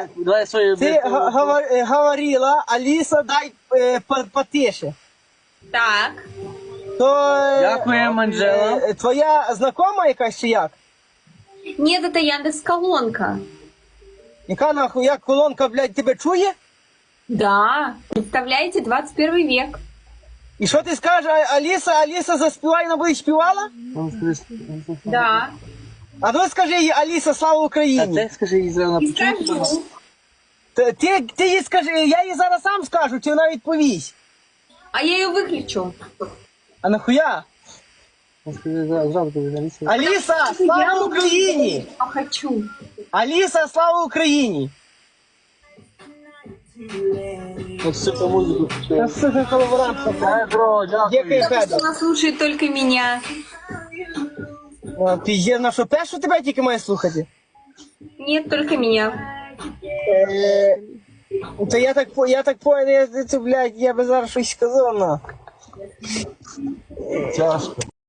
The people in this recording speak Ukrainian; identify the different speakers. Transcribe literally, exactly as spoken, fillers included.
Speaker 1: давай свою...
Speaker 2: Ти га- гава- е, говорила, Аліса, дай е, по- потише.
Speaker 3: Так.
Speaker 2: То е,
Speaker 1: Дякуємо, Анжела.
Speaker 2: е, твоя знакома якась чи як?
Speaker 3: Нет, это Яндекс Колонка.
Speaker 2: Яка нахуй, як колонка, блядь, тебе чує?
Speaker 3: Да. Представляете, двадцать первый век.
Speaker 2: І що ти скажеш, А- Аліса, Аліса заспівай, вона буде співала?
Speaker 3: Да.
Speaker 2: А ну скажи їй, Аліса, слава
Speaker 1: А
Speaker 2: Україні.
Speaker 1: ти скажи їй зразу на
Speaker 3: И скажу.
Speaker 2: Ти, ти, ти їй скажи, я їй зараз сам скажу, чи вона відповість.
Speaker 3: А я ее выключу.
Speaker 2: А нахуя?
Speaker 1: Скажи зразу тобі на лісі.
Speaker 2: Аліса, слава Україні!
Speaker 3: Я хочу.
Speaker 2: Аліса, слава Україні!
Speaker 1: Ось сука музику.
Speaker 2: Та сука колаборантка.
Speaker 1: Ай, бро,
Speaker 2: Дякую,
Speaker 1: дякую.
Speaker 2: Федор.
Speaker 3: Она слушает только меня.
Speaker 2: А, Пізде, на що першу тебе тільки має слухати?
Speaker 3: Нет, только меня.
Speaker 2: Е, Та я так, по- я так понял, я, це, блядь, я би зараз щось сказав, на.
Speaker 1: Тяжко.